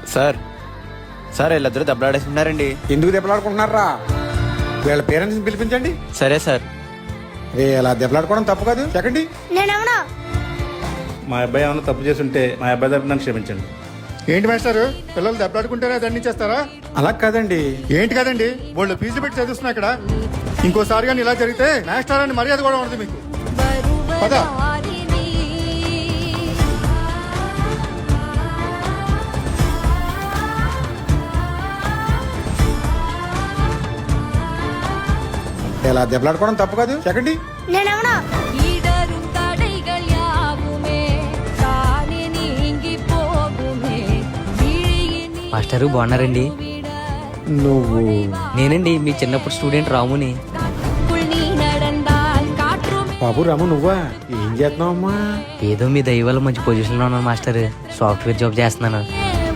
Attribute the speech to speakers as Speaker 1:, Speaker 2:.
Speaker 1: Sir sir వీళ్ళిద్దరూ దెబ్బలాడేస్తున్నారండి.
Speaker 2: ఎందుకు దెబ్బలాడుకుంటున్నారా? వీళ్ళ పేరెంట్స్ని పిలిపించండి.
Speaker 1: సరే సార్.
Speaker 2: రే ఇలా దెబ్బలాడుకోవడం తప్పు కాదు. చెక్కండి.
Speaker 3: నేనెవనా?
Speaker 4: మా అబ్బాయి ఏమైనా తప్పు చేస్తుంటే మా అబ్బాయి తరపున నన్ను క్షమించండి.
Speaker 5: ఏంటి మాస్టారు, పిల్లలు దెబ్బలాడుకుంటేనే దండించేస్తారా?
Speaker 2: అలా కాదండి.
Speaker 5: ఏంటి కదండి, వాళ్ళు ఫీజులు పెట్టి చదివిస్తున్నా ఇక్కడ. ఇంకోసారి కానీ ఇలా జరిగితే మాస్టర్ అని మర్యాద కూడా ఉండదు మీకు. పద.
Speaker 2: ఇలా దెబ్బలాడుకోవడం తప్పు కాదు. చెక్కండి.
Speaker 3: నేనెవనా?
Speaker 6: మాస్టరు బాగున్నారండి?
Speaker 2: నువ్వు?
Speaker 6: నేనండి మీ చిన్నప్పుడు స్టూడెంట్ రాముని.
Speaker 2: బాబు రాము నువ్వా? ఏం చేస్తున్నావు అమ్మా?
Speaker 6: ఏదో మీ దయ వల్ల మంచి పొజిషన్లో ఉన్నాను మాస్టర్. సాఫ్ట్వేర్ జాబ్ చేస్తున్నాను.